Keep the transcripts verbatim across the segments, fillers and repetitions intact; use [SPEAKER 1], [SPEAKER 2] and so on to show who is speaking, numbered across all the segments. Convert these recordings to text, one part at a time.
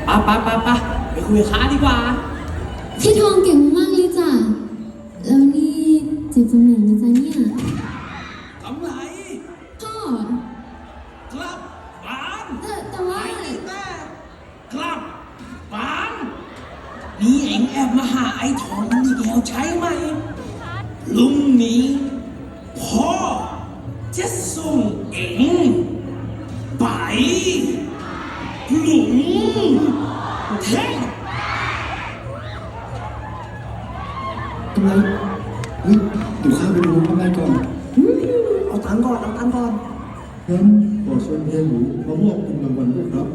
[SPEAKER 1] ปะปะปะปะไปคุยกับค้าดีกว่า
[SPEAKER 2] พี่ทองเก่งมากเลยจ้ะแล้วนี่เจ็บตรงไหนนะจ๊ะเนี่ย
[SPEAKER 1] กำไร
[SPEAKER 2] พ่อ
[SPEAKER 1] ครับปาน
[SPEAKER 2] แต่แต่ว่า
[SPEAKER 1] ไอ้แม่ครับปานนี่เอ็งแอบมาหาไอ้ทองมันอีกแล้วใช่ไหมลุงนี้พ่อจะส่งเอ็งไปหลุมแท่ง
[SPEAKER 3] กำไรเฮ้ยเดี๋ยวข้าไปดูกำไรก่อน
[SPEAKER 4] เอาตังค์ก่อนเอาตังค์ก่อน
[SPEAKER 3] งั้นขอเชิญเฮียหนูมามอบเงินรางวัลด้วยครับ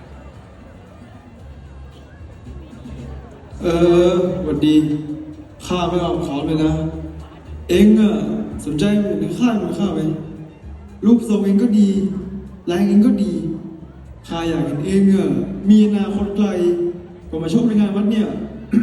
[SPEAKER 3] เออสวัสดีข้าไม่เอาขอเลยนะ เอ็งอะสนใจหมู่ในค่ายมันข้าไหมรูปทรงเองก็ดีแรงเองก็ดีข้าอยากเห็นเองอะมีอนาคตไกลก็มาชกในงานวัดเนี่ย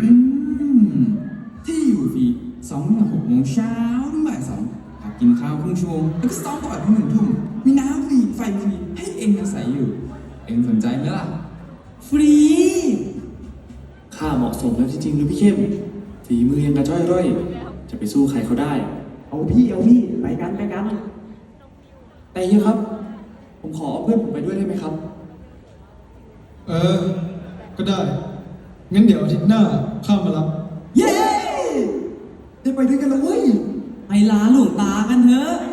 [SPEAKER 5] ที่อยู่ฟรีสองถึงหกโมงเช้าถึงบ่ายสองพักกินข้าวครึ่งชั่วโมงแล้วก็ซ้อมต่อถึงหนึ่งทุ่มมีน้ำฟรีไฟฟรีให้เองอาศัยอยู่ เองสนใจไหมล่ะ ฟรี
[SPEAKER 6] ข้าเหมาะสมแล้วจริงๆหรือพี่เข้มฝีมือยังกระจ้อยร่อย จะไปสู้ใครเขาได้
[SPEAKER 4] เอาพี่เอาพี่ไปกันไปกัน
[SPEAKER 6] แต่เฮียครับ ผมขอเอาเพื่อนผมไปด้วยได้ไหมครับ
[SPEAKER 3] เออ ก็ได้ งั้นเดี๋ยวอาทิตย์หน้าข้ามารับ
[SPEAKER 4] เย้ได้ไปด้วยกันแล้วเว้ย
[SPEAKER 1] ไปลาหลวงตากันเถอะ